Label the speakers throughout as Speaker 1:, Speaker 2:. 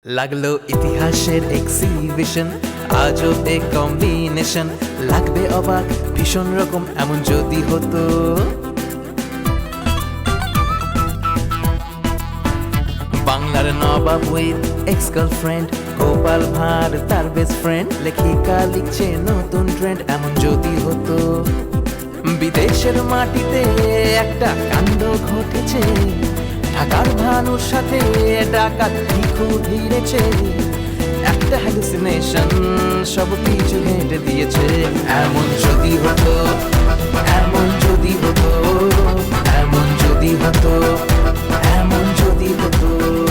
Speaker 1: লাগলো ইতিহাসের এক্সিবিশন, আজও এ কম্বিনেশন, লাগবে অবাক ভীষণ রকম এমন যদি হতো। বাংলার নবাব with ex girlfriend, Gopal Bhar তার বেস্ট ফ্রেন্ড, লেখিকা লিখছে নতুন ট্রেন্ড এমন যদি হতো। বিদেশের মাটিতে একটা কাণ্ড ঘটেছে, ঢাকার ভানুর সাথে ডাকাত ভিখু ভিড়েছে, একটা হ্যালুসিনেশন সব কিছু হেঁটে দিয়েছে। এমন যদি হতো, এমন যদি হতো, এমন যদি হতো, এমন যদি হতো।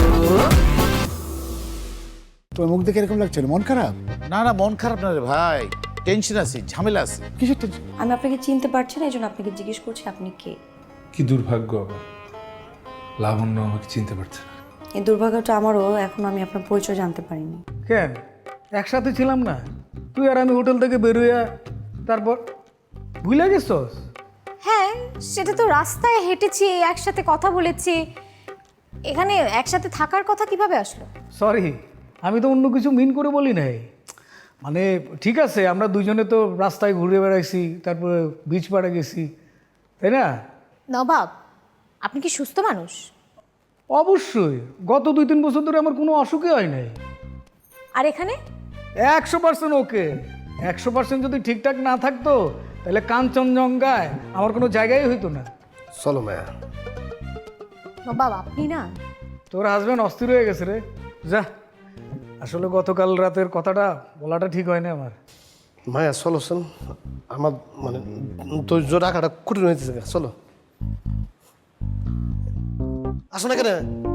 Speaker 2: তোমার মুখ দেখে এরকম লাগছিল, মন খারাপ?
Speaker 3: না না, মন খারাপ না রে ভাই, টেনশন আছে, ঝামেলা আছে।
Speaker 2: কিসের টেনশন?
Speaker 4: আমি আপনাকে চিনতে পারছি না, এই জন্য আপনাকে জিজ্ঞেস করছি আপনি কে।
Speaker 5: কি দুর্ভাগ্য আবার, লাবণ্য আমাকে চিনতে পারছে না।
Speaker 4: এই দুর্ভাগ্যটা আমারও, এখনো আমি আপনার পরিচয় জানতে পারিনি।
Speaker 6: কেন একসাথে ছিলাম না? তুই আর আমি হোটেল থেকে বেরোয়া তারপর ভুলে গেছস?
Speaker 7: হ্যাঁ, সেটা তো রাস্তায় হেঁটেছি, একসাথে কথা বলেছি, এখানে একসাথে থাকার কথা কিভাবে আসলো?
Speaker 6: সরি, আমি তো অন্য কিছু মিন করে বলি নাই। মানে ঠিক আছে, আমরা দুজনে তো রাস্তায় ঘুরে বেড়াইছি, তারপরে বিচ পাড়ে গেছি, তাই না?
Speaker 7: নবাব, আপনি কি সুস্থ মানুষ?
Speaker 6: অবশ্যই, গত 2-3 বছর ধরে আমার কোনো অসুখই হয় নাই।
Speaker 7: আর এখানে
Speaker 6: 100% ওকে। 100% যদি ঠিকঠাক না থাকতো তাহলে কাঞ্চনজঙ্ঘায় আমার কোনো জায়গায় হইতো না।
Speaker 2: চলো মায়া।
Speaker 7: নবাব, আপনি না,
Speaker 6: তোর হাজব্যান্ড অস্থির হয়ে গেছে রে। যা, আসলে গতকাল রাতের কথাটা বলাটা ঠিক হয় না আমার।
Speaker 8: মায়া চলো শোন, আমার মানে ধৈর্য রাখাটা কঠিন হয়েছে। চলো, আসো না কেন?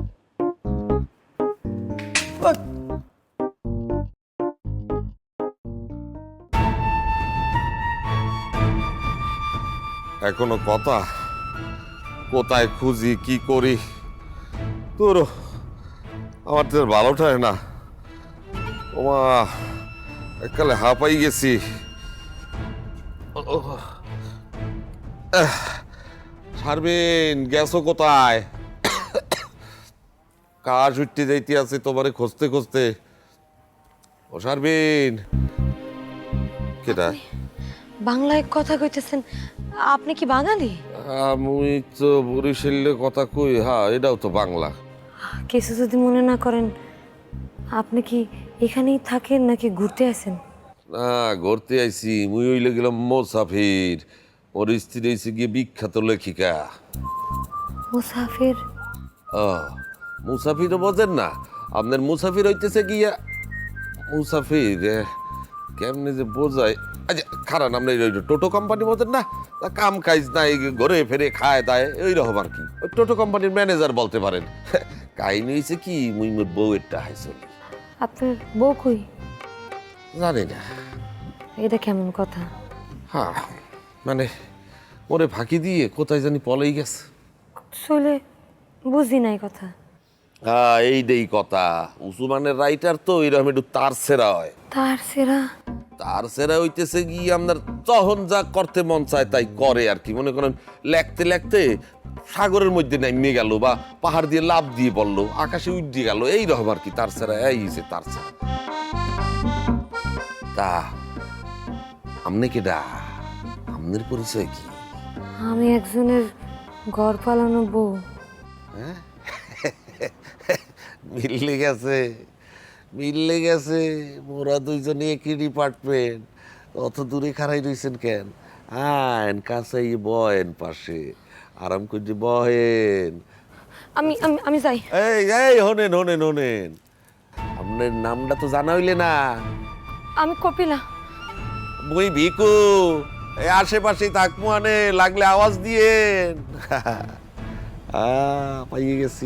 Speaker 9: এখনো কথা, কোথায় খুঁজি কি করি, তোর আমার তো ভালো ঠায় না। ওমা, এককালে হাঁপাই গেছি। সারবেন, গেছো কোথায়? কাজ উঠতে যাইতে আছে তোমারে খুঁজতে খুঁজতে। ও সারবেন, কেটা?
Speaker 10: বাংলায় কথা কইতেছেন? আপনি কি বাঙালি?
Speaker 9: আমি তো বরিশালে কথা কই। হ্যাঁ, এটাও তো বাংলা।
Speaker 10: কিছু যদি মনে না করেন, আপনি কি এখানেই থাকেন নাকি ঘুরতে আসেন?
Speaker 9: না, ঘুরতে আইছি। মুই হইলে গেলাম মোসাফির। ওর স্ত্রী হয়েছে গিয়ে বিখ্যাত লেখিকা।
Speaker 10: মুসাফির?
Speaker 9: ও, মুসাফিরও বোঝেন না? আপনার মুসাফির হইতেছে গিয়া মুসাফির কেমনে যে বোঝায়। আচ্ছা খারান, আপনার ওই টোটো কোম্পানি বোঝেন না? কাম কাজ নাই, ঘরে ফেরে খায় দায়, ওই রকম আর কি। ওই টোটো কোম্পানির ম্যানেজার বলতে পারেন। কাহিনী হয়েছে কি, মুই মোর বউয়েরটা হাইছিল।
Speaker 10: আপনার বউ কই?
Speaker 9: জানি না।
Speaker 10: এটা কেমন কথা?
Speaker 9: হ্যাঁ, মানে ওরে ফাঁকি দিয়ে কোথায় জানি পলেই গেছে।
Speaker 10: চলে বুঝি নাই কথা।
Speaker 9: হ্যাঁ, এইটাই কথা। উসমানের রাইটার তো এরকম একটু তার সেরা হয়।
Speaker 10: তার সেরা?
Speaker 9: তার সেরা হইতেছে গিয়ে আপনার তখন যা করতে মন চায় তাই করে আর কি। মনে করেন লেখতে লেখতে সাগরের মধ্যে নেমে গেল, বা পাহাড় দিয়ে লাফ দিয়ে পড়লো, আকাশে উঠে গেল, এইরকম আর কি তার সেরা। এই যে তার সেরা। তা আপনি কেডা? আপনার পরিচয় কি?
Speaker 10: আমি একজনের ঘর পালানো বউ।
Speaker 9: মিললে গেছে, মিললে গেছে। মোরা দুইজনে একই ডিপার্টমেন্ট। অত দূরে খাড়াই রইছেন কেন? আইন কাছে বয়েন, পাশে আরাম করে বহেন।
Speaker 10: আমি আমি আমি যাই।
Speaker 9: এই এই হোনেন হোনেন হোনেন, আপনার নামটা তো জানা হইলে না।
Speaker 10: আমি কপিলা।
Speaker 9: মুই ভিকু। এই আশেপাশেই থাকবো, আনে লাগলে আওয়াজ দিয়েন। পাইয়ে গেছি।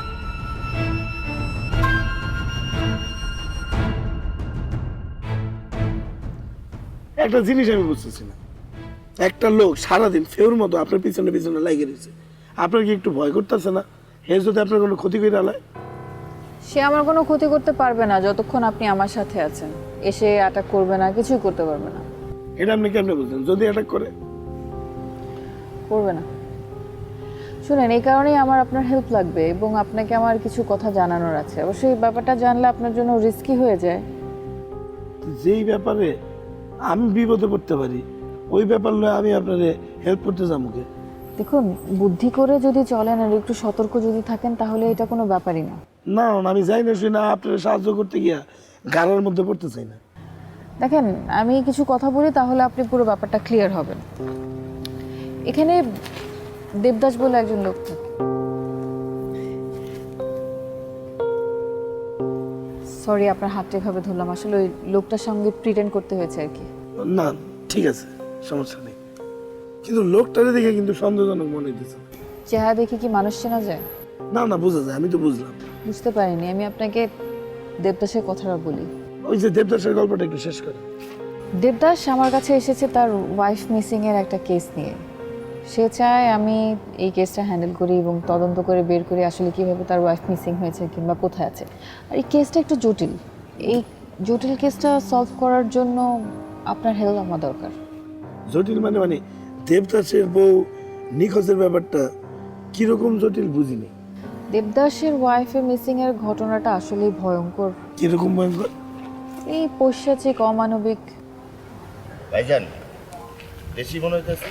Speaker 8: একটা জিনিস আমি বুঝতেছি না, একটা লোক সারাদিন ফেউর মতো আপনার পিছনে পিছনে লাগে রয়েছে, আপনার কি একটু ভয় করতেছে না? হে যদি আপনার কোনো ক্ষতি করে আলায়?
Speaker 11: সে আমার কোনো ক্ষতি করতে পারবে না যতক্ষণ আপনি আমার সাথে আছেন। এসে অ্যাটাক করবে না, কিছুই করতে পারবে না।
Speaker 8: এটা আপনি কেমনে বুঝলেন? যদি অ্যাটাক করে?
Speaker 11: করবে না। শুনেন, এই কারণেই আমার আপনার হেল্প লাগবে এবং আপনাকে আমার কিছু কথা জানানোর আছে। অবশ্যই এই ব্যাপারটা জানলে আপনার জন্য রিস্কি হয়ে যায়।
Speaker 8: যেই ব্যাপারে আমি বিপদে পড়তে পারি ওই ব্যাপার লয়ে আমি আপনারে হেল্প করতে যাবো কে?
Speaker 11: দেখুন, বুদ্ধি করে যদি চলেন আর একটু সতর্ক যদি থাকেন তাহলে এটা কোনো ব্যাপারই না।
Speaker 8: না না, আমি যাই না শুই না আপনার সাহায্য করতে গিয়া গাড়ার মধ্যে পড়তে চাই না।
Speaker 11: দেখেন, আমি কিছু কথা বলি তাহলে আপনি পুরো ব্যাপারটা ক্লিয়ার হবেন। এখানে দেবদাস বলে একজন লোক থাকে। সরি আপনার হাতটা এভাবে ধরলাম, আসলে ওই লোকটার সঙ্গে প্রিটেন্ড করতে হয়েছে আর কি।
Speaker 8: না ঠিক আছে, সমস্যা নেই, কিন্তু লোকটারে দেখে কিন্তু সন্দেহজনক মনে হইতেছে।
Speaker 11: চেহারা দেখে কি মানুষ চেনা যায়?
Speaker 8: না না, বোঝা যায়, আমি তো বুঝলাম।
Speaker 11: বুঝতে পারিনি, আমি আপনাকে দেবদাসের কথাটা বলি।
Speaker 8: ওই যে দেবদাসের গল্পটা একটু শেষ করে।
Speaker 11: দেবদাস আমার কাছে এসেছে তার ওয়াইফ মিসিং এর একটা কেস নিয়ে। সে চায় আমি এই কেসটা হ্যান্ডেল করি এবং তদন্ত করে বের করি আসলে কিভাবে তার ওয়াইফ মিসিং হয়েছে কিংবা কোথায় আছে। আর এই কেসটা একটু জটিল। এই জটিল কেসটা সলভ করার জন্য আপনার হেল্প আমার দরকার।
Speaker 8: জটিল মানে মানে দেবদাসের বউ নিখোঁজের ব্যাপারটা কিরকম জটিল বুঝিনি।
Speaker 11: দেবদাসের ওয়াইফের মিসিং এর ঘটনাটা আসলেই ভয়ঙ্কর।
Speaker 8: কিরকম ভয়ঙ্কর?
Speaker 11: এই পৈশাচিক, অমানবিক।
Speaker 3: ভাইজান দেশি মনে হইতেছে।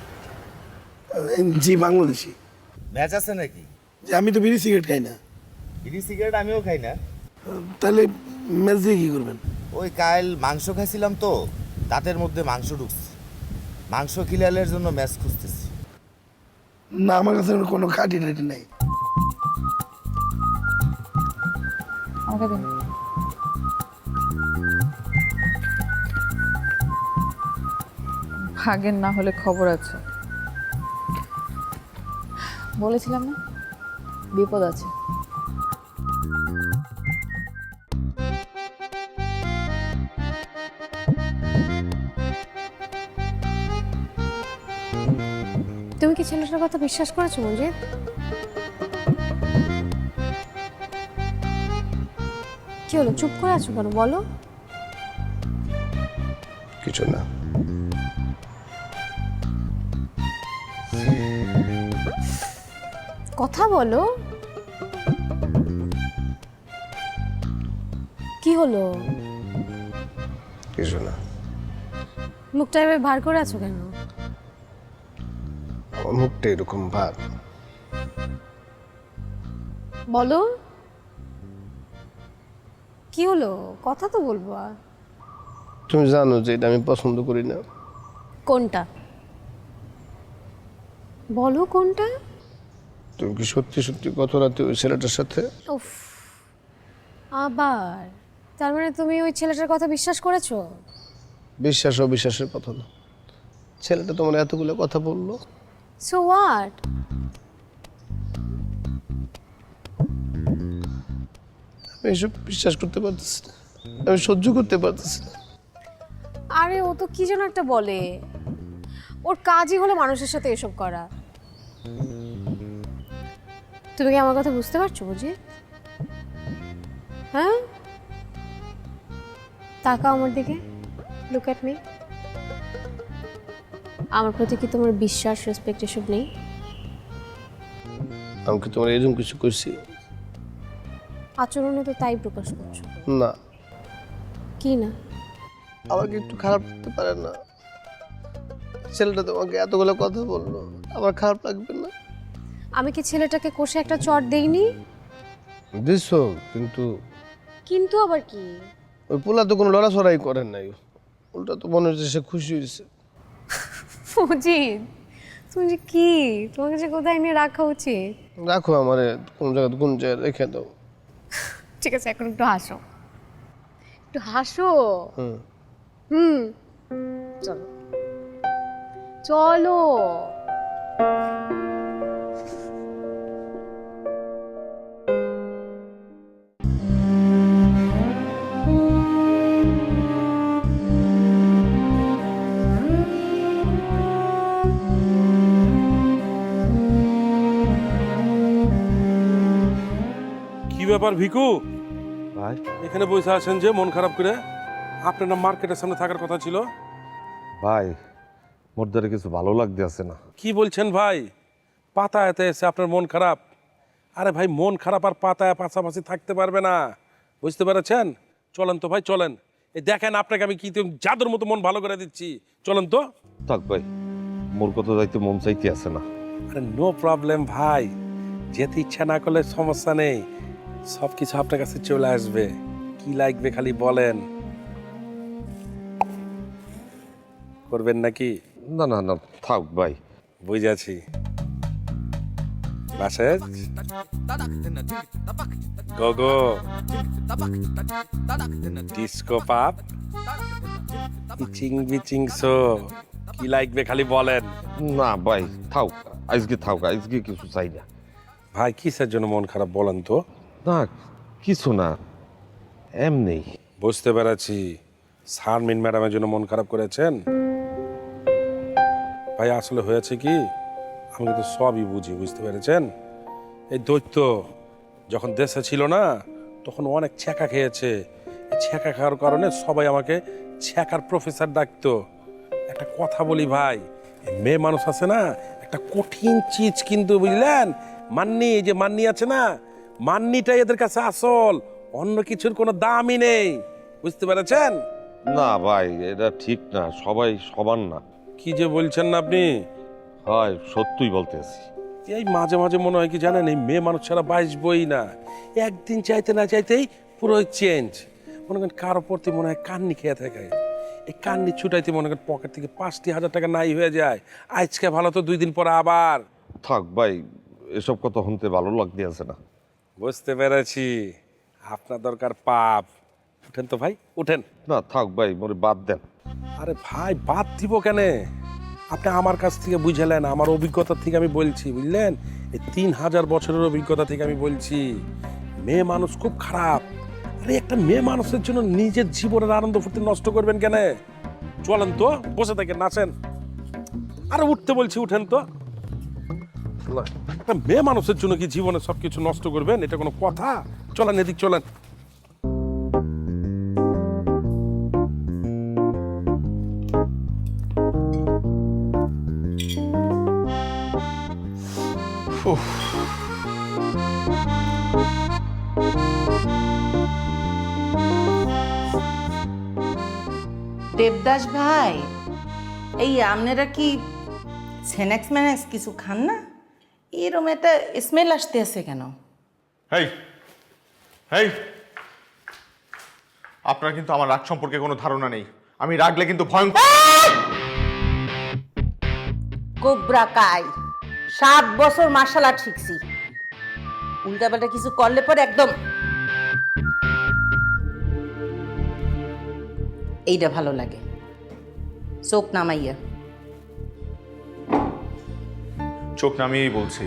Speaker 8: জি বাংলাদেশি।
Speaker 3: ম্যাচ আছে নাকি?
Speaker 8: যে আমি তো বিড়ি সিগারেট খাই না।
Speaker 3: বিড়ি সিগারেট আমিও খাই না।
Speaker 8: তাহলে ম্যাচ দিয়ে কি করবেন?
Speaker 3: ওই কাল মাংস খাইছিলাম তো, দাঁতের মধ্যে মাংস ঢুকছে। মাংস খিলালের জন্য ম্যাচ খুঁজতেছি।
Speaker 8: না, আমার কাছে কোনো কাটি টাটি নাই।
Speaker 11: আমাকে দিন। ভাগের না হলে খবর আছে। বলেছিলাম না, বিপদ আছে।
Speaker 7: তুমি কি ছেলেটার কথা বিশ্বাস করেছো মঞ্জিত? কি হলো, চুপ করে আছো কেন বলো?
Speaker 2: কিছু না।
Speaker 7: কথা বলো। কি হলো?
Speaker 2: কিছু না।
Speaker 7: মুখটা এভাবে ভার করে আছো কেন?
Speaker 2: আমার মুখটা এরকম ভাব।
Speaker 7: বলো কি হলো, কথা তো বলবো।
Speaker 2: তুমি জানো যে এটা আমি পছন্দ করি না।
Speaker 7: কোনটা বলো, কোনটা?
Speaker 2: তুমি কি সত্যি সত্যি গত রাতে ওই ছেলেটার সাথে?
Speaker 7: উফ, আবার তার মানে তুমি ওই ছেলেটার কথা বিশ্বাস করেছো?
Speaker 2: বিশ্বাস অবিশ্বাসের কথা না, ছেলেটা তোমার এতগুলো কথা বললো।
Speaker 7: So what?
Speaker 2: আমি এসব বিশ্বাস করতে পারতেছি না, আমি সহ্য করতে পারতেছি না।
Speaker 7: আরে ও তো কি যেন একটা বলে, ওর কাজই হলো মানুষের সাথে এসব করা। তুমি কি আমার কথা বুঝতে পারছো বুঝি? হ্যাঁ, তাকাও আমার দিকে, লুক অ্যাট মি। আমার প্রতি কি তোমার বিশ্বাস, রেসপেক্ট এসব নেই?
Speaker 2: আমি কি তোমার এরকম কিছু করছি?
Speaker 7: আচরণে তো তাই প্রকাশ করছো।
Speaker 2: না।
Speaker 7: কি না?
Speaker 2: আমাকে একটু খারাপ লাগতে পারে না? ছেলেটা তোমাকে এতগুলো কথা বললো, আমার খারাপ লাগবে না?
Speaker 7: আমি কি ছেলেটাকে কষে একটা চট দেইনি?
Speaker 2: দিছো, কিন্তু
Speaker 7: কিন্তু আবার কি?
Speaker 2: ওই পোলা তো কোনো লড়াচড়াই করেন নাই, উল্টা তো মনে হচ্ছে সে খুশি হয়েছে।
Speaker 7: অজিত, তুমি যে কি, তোমাকে যে কোথায় নিয়ে রাখা উচিত?
Speaker 2: রাখো আমারে কোন জায়গায়, কোন জায়গায় রেখে দাও।
Speaker 7: ঠিক আছে, এখন একটু হাসো, একটু হাসো।
Speaker 2: হুম।
Speaker 7: হুম, চলো চলো।
Speaker 12: কি ব্যাপার ভিকু
Speaker 9: ভাই
Speaker 12: এখানে বসে আছেন যে মন খারাপ করে? আপনার না মার্কেটের সামনে থাকার কথা ছিল?
Speaker 9: ভাই মোর দ্বারা কিছু ভালো লাগতে আছে না।
Speaker 12: কি বলছেন ভাই? পাতায়াতে এসে আপনার মন খারাপ। আরে ভাই, মন খারাপ আর পাতায় পাশাপাশি থাকতে পারবে না, বুঝতে পেরেছেন? চলেন তো ভাই, চলেন। এই দেখেন আপনাকে আমি কি জাদুর মতো মন ভালো করে দিচ্ছি, চলেন তো।
Speaker 9: থাক ভাই, মোর কথা যাইতে মন চাইতে আছে না।
Speaker 12: আরে নো প্রবলেম ভাই, যেতে ইচ্ছা না করলে সমস্যা নেই, সব কিছু আপনার কাছে চলে আসবে। কি লাগবে খালি বলেন। করবেন নাকি?
Speaker 9: না না না, থাক ভাই।
Speaker 12: বুঝেছি। মেসেজ গোগো ডিস্কো পাপ ইচিং বিচিং শো, কি লাগবে খালি বলেন।
Speaker 9: না ভাই থাক, আজকে থাক, আজকে কিছু চাই না।
Speaker 12: ভাই কিসের জন্য মন খারাপ বলেন তো?
Speaker 9: না কিছু না, এমনি।
Speaker 12: বুঝতে পেরেছি, শারমিন ম্যাডামের জন্য মন খারাপ করেছেন। ভাই আসলে হয়েছে কি, আমি কিন্তু সবই বুঝি, বুঝতে পেরেছেন? এই দৈত্য যখন দেশে ছিল না, তখন অনেক ছ্যাঁকা খেয়েছে। এই ছ্যাঁকা খাওয়ার কারণে সবাই আমাকে ছ্যাঁকার প্রফেসর ডাকতো। একটা কথা বলি ভাই, এই মেয়ে মানুষ আছে না, একটা কঠিন চিজ কিন্তু, বুঝলেন? মান্নি, এই যে মান্নি আছে না, মান্নিটাই এদের কাছে আসল, অন্য কিছুর কোনো দামই নেই, বুঝতে পেরেছেন?
Speaker 9: না ভাই, এটা ঠিক না, সবাই সমান না।
Speaker 12: কি যে বলছেন না আপনি?
Speaker 9: হয় সত্যই বলতেছি।
Speaker 12: এই মাঝে মাঝে মনে হয় কি জানেন, এই মেয়ে মানুষ ছাড়া বাঁচবই না। একদিন চাইতে না চাইতেই পুরো চেঞ্জ। মনে করেন কারো প্রতি মনে হয় কান্নি খেয়ে থাকে, এই কান্নি ছুটাইতে মনে করেন পকেট থেকে 5,000 টাকা নাই হয়ে যায়। আজকে ভালো তো 2 দিন পরে আবার।
Speaker 9: থাক ভাই, এসব কথা শুনতে ভালো লাগতে আছে না।
Speaker 12: বুঝতে পেরেছি, আপনার দরকার পাপ। উঠেন তো ভাই, উঠেন।
Speaker 9: না থাক ভাই, মোরে বাদ দেন।
Speaker 12: আরে ভাই, বাদ দিব কেন? আপনি আমার কাছ থেকে বুঝালেন, আমার অভিজ্ঞতা থেকে আমি বলছি, বুঝলেন? এই 3000 বছরের অভিজ্ঞতা থেকে আমি বলছি, মেয়ে মানুষ খুব খারাপ। আরে একটা মেয়ে মানুষের জন্য নিজের জীবনের আনন্দ ফুর্তি নষ্ট করবেন কেন? চলেন তো, বসে থাকেন, নাচেন। আরে উঠতে বলছি, উঠেন তো। একটা মেয়ে মানুষের জন্য কি জীবনে সবকিছু নষ্ট করবেন? এটা কোনো কথা? চলেন, এদিক চলেন।
Speaker 13: দেবদাস ভাই, এই আপনারা কি স্ন্যাক্স ম্যানাক্স কিছু খান না? এরকম একটা স্মেল আসতে আছে কেন?
Speaker 14: হেই হেই, আপনার কিন্তু আমার রাগ সম্পর্কে কোনো ধারণা নেই। আমি রাগলে কিন্তু ভয়ঙ্কর।
Speaker 13: কোবরা কাই, 7 বছর মার্শাল আর্ট শিখছি, উল্টাপাল্টা কিছু করলে পরে একদম। এইটা ভালো লাগে, চোখ নামাইয়া।
Speaker 14: চোখ নামিয়েই বলছি,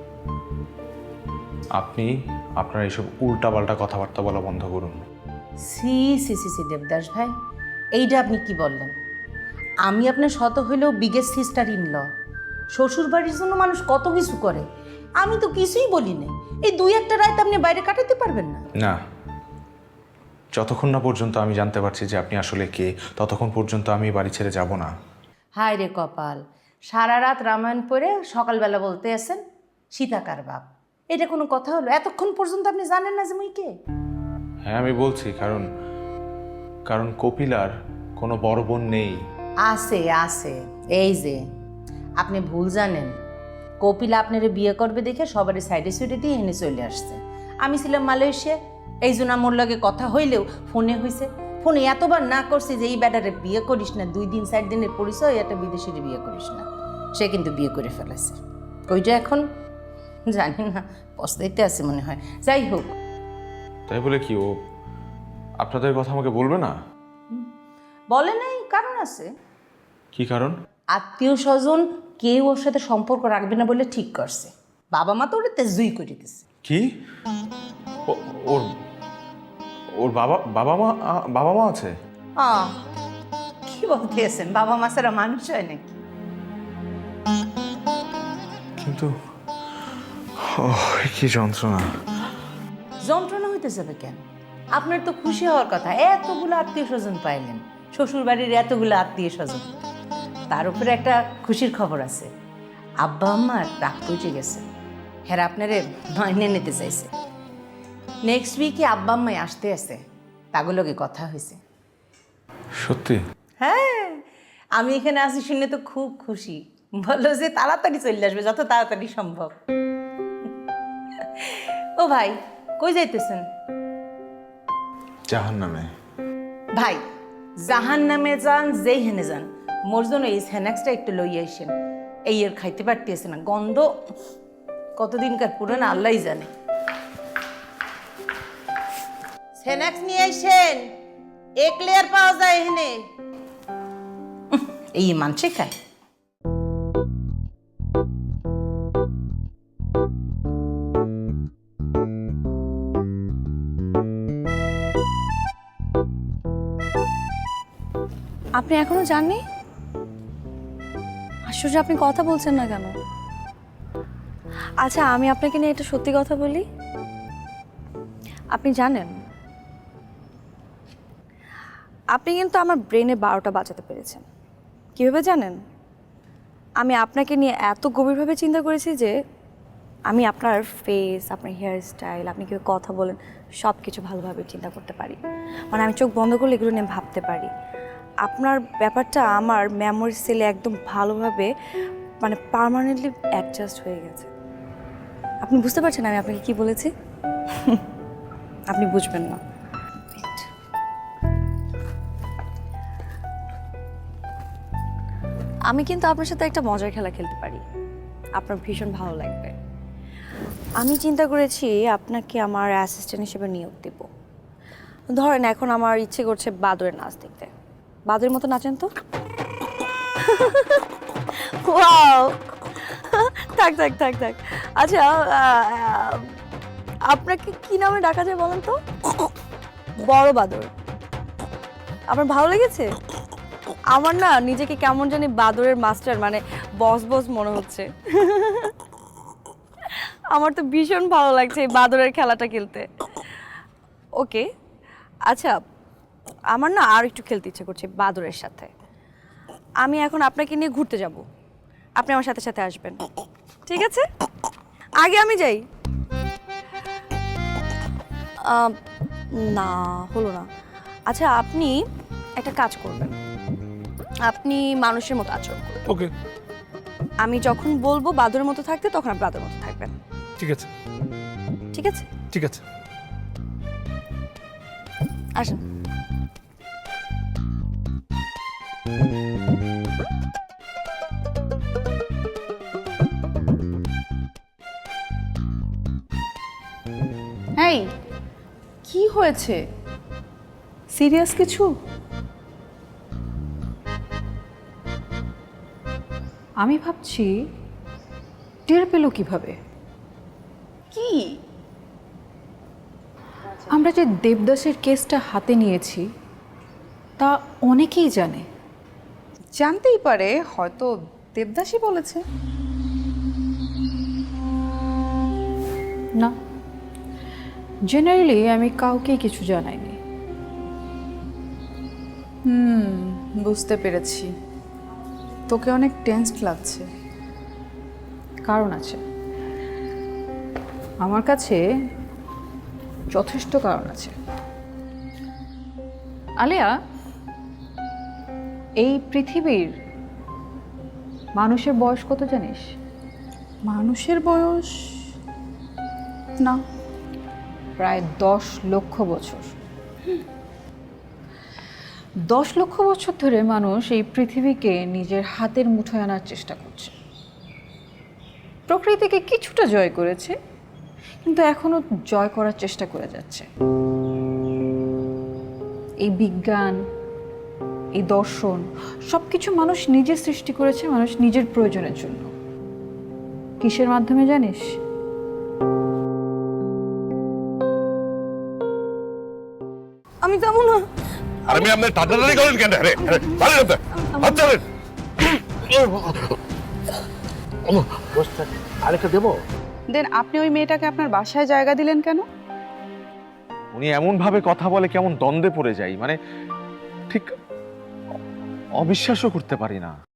Speaker 14: আপনি আপনার এইসব উল্টাপাল্টা কথাবার্তা বলা বন্ধ করুন।
Speaker 13: সি সি সি সি দেবদাস ভাই, এইটা আপনি কি বললেন? আমি আপনার শত হইলেও বিগেস্ট সিস্টার ইন ল। শ্বশুর বাড়ির জন্য মানুষ কত কিছু করে, আমি তো কিছুই বলি নাই। এই 2-1টা রাত আপনি বাইরে কাটাতে পারবেন না?
Speaker 14: না, যতক্ষণ না পর্যন্ত আমি জানতে পারছি যে আপনি আসলে কে, ততক্ষণ পর্যন্ত আমি বাড়ি ছেড়ে যাব না।
Speaker 13: হায় রে কপাল, সারা রাত রামায়ণ পড়ে সকালবেলা বলতে আসেন সীতাকার বাপ। এটা কোনো কথা হলো? এতক্ষণ পর্যন্ত আপনি জানেন না যে মুই কে?
Speaker 14: হ্যাঁ আমি বলছি, কারণ কপিলার কোনো বড় বোন নেই।
Speaker 13: আছে আছে, এই যে আপনি ভুল জানেন। কপিলা আপনারে বিয়ে করবে দেখে সবারই সাইডে সুইডে দিয়ে এনে চলে আসছে। আমি ছিলাম মালয়েশিয়া, এই জন্য আমার লগে কথা হইলেও ফোনে হয়েছে। ফোনে এতবার না করছি যে এই ব্যাটারে বিয়ে করিস না, 2 দিন 4 দিনের পরিচয়, একটা বিদেশির বিয়ে করিস না। সে কিন্তু বিয়ে করে ফেলেছে। ওইটা এখন জানি না, পস্তাইতে আছে মনে হয়। যাই হোক,
Speaker 14: তাই বলে কি ও আপনাদের কথা আমাকে বলবে না?
Speaker 13: বলে নাই, কারণ আছে।
Speaker 14: কি কারণ?
Speaker 13: আত্মীয় স্বজন কেউ ওর সাথে সম্পর্ক রাখবে না বলে ঠিক করছে। বাবা মা তো ওটা তেজুই করে দিচ্ছে।
Speaker 14: কি? ওর বাবা মা আছে?
Speaker 13: কি বলতেছেন? বাবা মা ছাড়া মানুষ হয় নাকি?
Speaker 14: কিন্তু কি যন্ত্রণা।
Speaker 13: যন্ত্রণা হইতে যাবে কেন? আপনার তো খুশি হওয়ার কথা, এতগুলো আত্মীয় স্বজন পাইলেন, শ্বশুর বাড়ির এতগুলো আত্মীয় স্বজন। তার উপরে একটা খুশির খবর আছে, আব্বা আম্মার রাগ পৌঁছে গেছে, হ্যাঁ আপনারে মাইনে নিতে চাইছে। নেক্সট উইকে আব্বা আম্মাই আসতে আছে, তাগুলোকে কথা হয়েছে।
Speaker 14: সত্যি?
Speaker 13: হ্যাঁ, আমি এখানে আসি শুনে তো খুব খুশি, বললো যে তাড়াতাড়ি চলে আসবে, যত তাড়াতাড়ি সম্ভব। ও ভাই, কই যাইতেছেন?
Speaker 14: জাহান্নামে।
Speaker 13: ভাই, জাহান নামে যান, যেই হেনে যান, মোর জন্য এই স্ন্যাক্সটা একটু লই আইসেন। এই এর খাইতে পারতেছে না, গন্ধ কতদিনকার পুরানো আল্লাহই জানে। স্ন্যাক্স নিয়ে আইসেন, এক লেয়ার পাওয়া যায় এখানে। এই মানছে খায়।
Speaker 4: আপনি এখনো জাননি? আশ্চর্য, আপনি কথা বলছেন না কেন? আচ্ছা, আমি আপনাকে নিয়ে একটা সত্যি কথা বলি। আপনি জানেন, আপনি কিন্তু আমার ব্রেনে 12টা বাজাতে পেরেছেন। কীভাবে জানেন? আমি আপনাকে নিয়ে এত গভীরভাবে চিন্তা করেছি যে আমি আপনার ফেস, আপনার হেয়ার স্টাইল, আপনি কীভাবে কথা বলেন, সব কিছু ভালোভাবে চিন্তা করতে পারি। মানে আমি চোখ বন্ধ করলে এগুলো নিয়ে ভাবতে পারি। আপনার ব্যাপারটা আমার মেমোরি সেলে একদম ভালোভাবে, মানে পার্মানেন্টলি অ্যাডজাস্ট হয়ে গেছে। আপনি বুঝতে পারছেন আমি আপনাকে কি বলেছি? আপনি বুঝবেন না। আমি কিন্তু আপনার সাথে একটা মজার খেলা খেলতে পারি, আপনার ভীষণ ভালো লাগবে। আমি চিন্তা করেছি আপনাকে আমার অ্যাসিস্ট্যান্ট হিসেবে নিয়োগ দেব। ধরেন এখন আমার ইচ্ছে করছে বাদরের নাচ দেখতে। বাদরের মতো নাচেন তো। ওয়াও, থাক থাক থাক থাক। আচ্ছা, আপনাকে কি নামে ডাকা যায় বলেন তো? বড় বাদর। আপনার ভালো লেগেছে? আমার না নিজেকে কেমন জানি বাদরের মাস্টার, মানে বস বস মনে হচ্ছে। আমার তো ভীষণ ভালো লাগছে এই বাদরের খেলাটা খেলতে। ওকে, আচ্ছা, আমার না আর একটু খেলতে ইচ্ছে করছে বাদরের সাথে। আমি এখন আপনাকে নিয়ে ঘুরতে যাব, আপনি আমার সাথে সাথে আসবেন, ঠিক আছে? আগে আমি যাই। না, হলো না। আচ্ছা, আপনি একটা কাজ করবেন, আপনি মানুষের মতো আচরণ করবেন।
Speaker 5: ওকে,
Speaker 4: আমি যখন বলবো বাদরের মতো থাকতে, তখন আপনি বাদরের মতো থাকবেন।
Speaker 5: ঠিক আছে।
Speaker 4: ঠিক আছে?
Speaker 5: ঠিক আছে।
Speaker 4: আসেন।
Speaker 11: এই, কি হয়েছে? সিরিয়াস কিছু? আমি ভাবছি টের পেল কিভাবে? কি? আমরা যে দেবদাসের কেসটা হাতে নিয়েছি তা অনেকেই জানে। জানতেই পারে, হয়তো দেবদাসই বলেছে। না, জেনারেলি আমি কাউকে কিছু জানাইনি। বুঝতে পেরেছি, তোকে অনেক টেনসড লাগছে। কারণ আছে, আমার কাছে যথেষ্ট কারণ আছে। আলিয়া, এই পৃথিবীর মানুষের বয়স কত জানিস? মানুষের বয়স না, প্রায় 10 লক্ষ বছর। 10 লক্ষ বছর ধরে মানুষ এই পৃথিবীকে নিজের হাতের মুঠোয় আনার চেষ্টা করছে। প্রকৃতিকে কিছুটা জয় করেছে, কিন্তু এখনো জয় করার চেষ্টা করে যাচ্ছে। এই বিজ্ঞান, এই দর্শন, সবকিছু মানুষ নিজে সৃষ্টি করেছে, মানুষ নিজের প্রয়োজনের জন্য। কিসের মাধ্যমে জানিস?
Speaker 4: আমি যাবো না।
Speaker 9: আর আমি আপনার টাটাটারি করেন কেন? আরে হাত ছাড়েন।
Speaker 8: আরেকটা দেবো?
Speaker 11: দেন আপনি ওই মেয়েটাকে আপনার বাসায় জায়গা দিলেন কেন?
Speaker 14: উনি এমন ভাবে কথা বলে কেমন দ্বন্দ্বে পড়ে যাই, মানে ঠিক অবিশ্বাসও করতে পারি না।